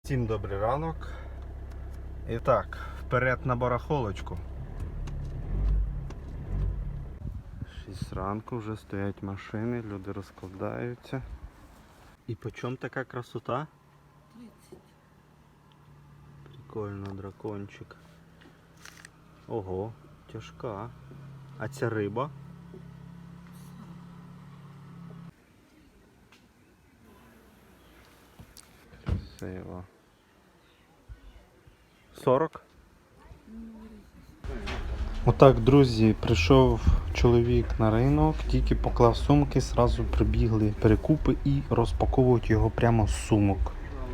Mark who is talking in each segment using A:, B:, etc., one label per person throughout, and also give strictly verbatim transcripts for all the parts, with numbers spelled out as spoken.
A: Всім добрий ранок. І так, вперед на барахолочку. шість ранку, вже стоять машини, люди розкладаються. І по чому така красота?
B: тридцять.
A: Прикольно, дракончик. Ого, тяжка. А ця риба? Красиво. сорок? Отак, друзі, прийшов чоловік на ринок, тільки поклав сумки, одразу прибігли перекупи і розпаковують його прямо з сумок.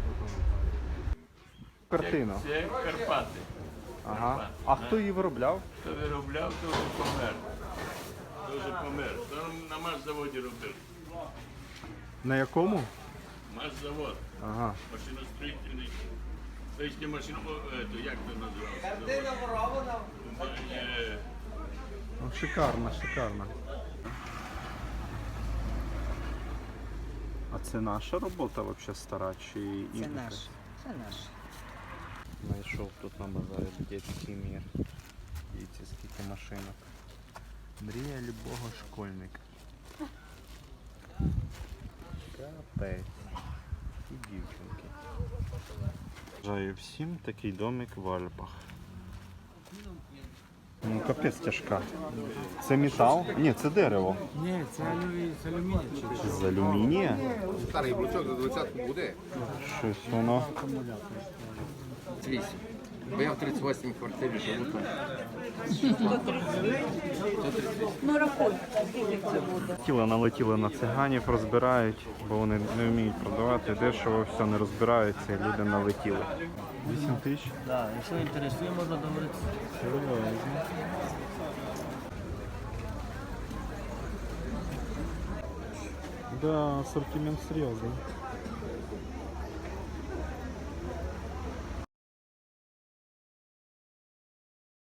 A: Картина.
C: Це Карпати.
A: Ага. А хто її виробляв?
C: Хто виробляв, то вже помер. То вже помер. То на машзаводі робив.
A: На якому?
C: Машзавод.
A: Ага.
C: Машиностроїтельний. Стоїчні машини, то як це називається? Картина ворована.
A: Ну, шикарно, шикарно. А це наша робота взагалі стара чи
B: Це
A: інша?
B: наш. Це наш.
A: Знайшов тут на базарі дитячий мір. Дивіться, скільки машинок. Мрія любого школьника. Капець. І дівчинки. Бажаю всім такий домик в Альпах. Ну капець тяжка. Це метал? Ні, це дерево.
D: Ні, це, алюмі... це алюміній.
A: З алюмінія?
E: Старий блочок за двадцятку буде.
A: Щось воно.
E: вісім. Бо я в тридцять восьмій квартирі живу там.
A: Тіло налетіло на циганів, розбирають, бо вони не вміють продавати дешево, все не розбираються, і люди налетіли. вісім тисяч?
D: Так, якщо інтересує, можна договоритися.
A: Да, ассортимент серьезный.